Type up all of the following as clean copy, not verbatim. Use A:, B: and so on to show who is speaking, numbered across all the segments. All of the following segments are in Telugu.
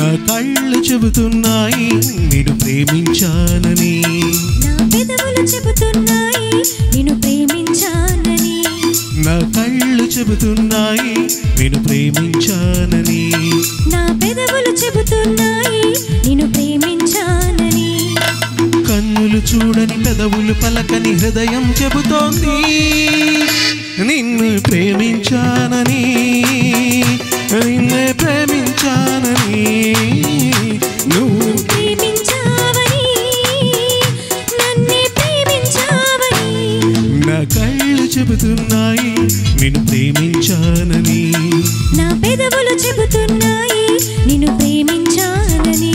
A: నా కళ్ళు చెబుతున్నాయి నిన్ను ప్రేమించానని,
B: నా పెదవులు చెబుతున్నాయి నిన్ను ప్రేమించానని,
A: నా కళ్ళు చెబుతున్నాయి నిన్ను ప్రేమించానని,
B: నా పెదవులు చెబుతున్నాయి నిన్ను ప్రేమించానని,
A: కన్నులు చూడని పెదవులు పలకని హృదయం చెబుతోంది నిన్ను ప్రేమించానని, నిన్నే ప్రేమించానని. నువ్వు
B: ప్రేమించావని నన్నే ప్రేమించావని,
A: నా కళ్ళు చెబుతున్నాయి నిన్ను ప్రేమించానని,
B: నా పెదవులు చెబుతున్నాయి నిన్ను ప్రేమించానని.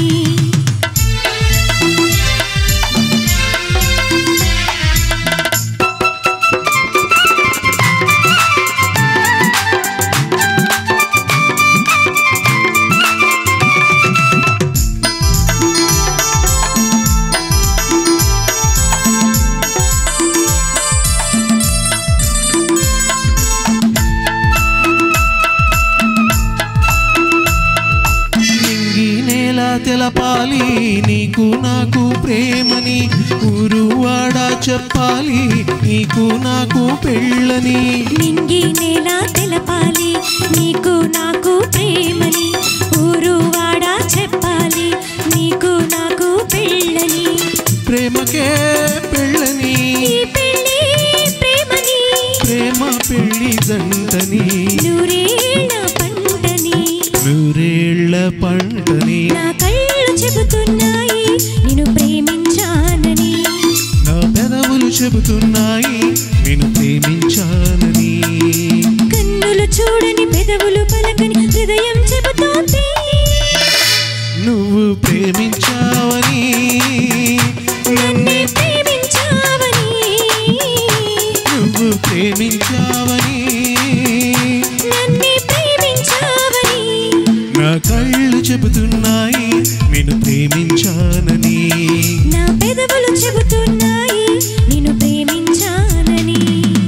A: తెలపాలి నీకు నాకు ప్రేమని, ఊరువాడ చెప్పాలి నీకు నాకు పెళ్ళని,
B: నింగి నేల తెలపాలి నీకు నాకు ప్రేమని, ఊరువాడ చెప్పాలి నీకు నాకు పెళ్ళని,
A: ప్రేమకే పెళ్ళని,
B: ఈ పెళ్ళి ప్రేమని,
A: ప్రేమ పెళ్ళి జంటని,
B: నూరేళ్ల పంటని,
A: నూరేళ్ల పంటని.
B: నా కళ్ళు చెబుతున్నాయి నిన్ను ప్రేమించానని,
A: నా పెదవులు చెబుతున్నాయి నిన్ను ప్రేమించానని,
B: కన్నులు చూడని పెదవులు పలకని హృదయం చెబుతోంది
A: నువ్వు ప్రేమించావని,
B: నన్నే ప్రేమించావని,
A: నువ్వు ప్రేమించావని,
B: నన్నే ప్రేమించావని,
A: నా కళ్ళు చెబుతున్నాయి నిన్ను ప్రేమించానని,
B: నా పెదవులు చెబుతున్నాయి నిన్ను ప్రేమించానని.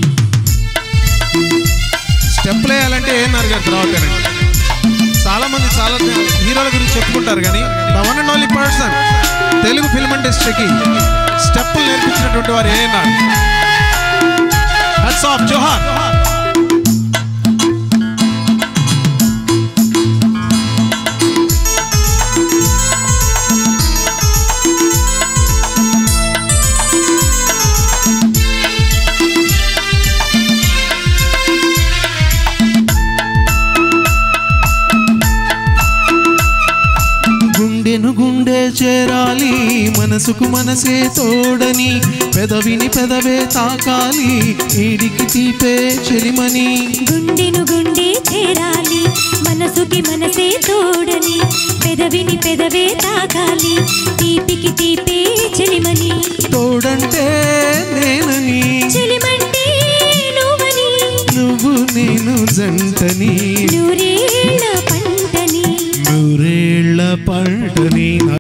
C: స్టెప్లు వేయాలంటే ఏమన్నారు గారు తర్వాతనండి. చాలా మంది చాలా హీరోల గురించి చెప్పుకుంటారు కానీ the one and only person Telugu film ఇండస్ట్రీకి స్టెప్పులు నేర్పించినటువంటి వారు ఏనాడు. హట్స్ ఆఫ్ జోహార్.
A: గుండెను గుండె చేరాలి మనసుకు మనసే తోడని, పెదవిని పెదవే తాకాలి ఈడికి తీపే చెలిమని,
B: గుండెను గుండె చేరాలి మనసుకి మనసే తోడని, పెదవిని పెదవే తాకాలి తీపికి తీపే చెలిమని,
A: తోడంటే నేనని,
B: చెలిమంటే నువ్వని,
A: నువ్వు నేను జంటని,
B: నూరే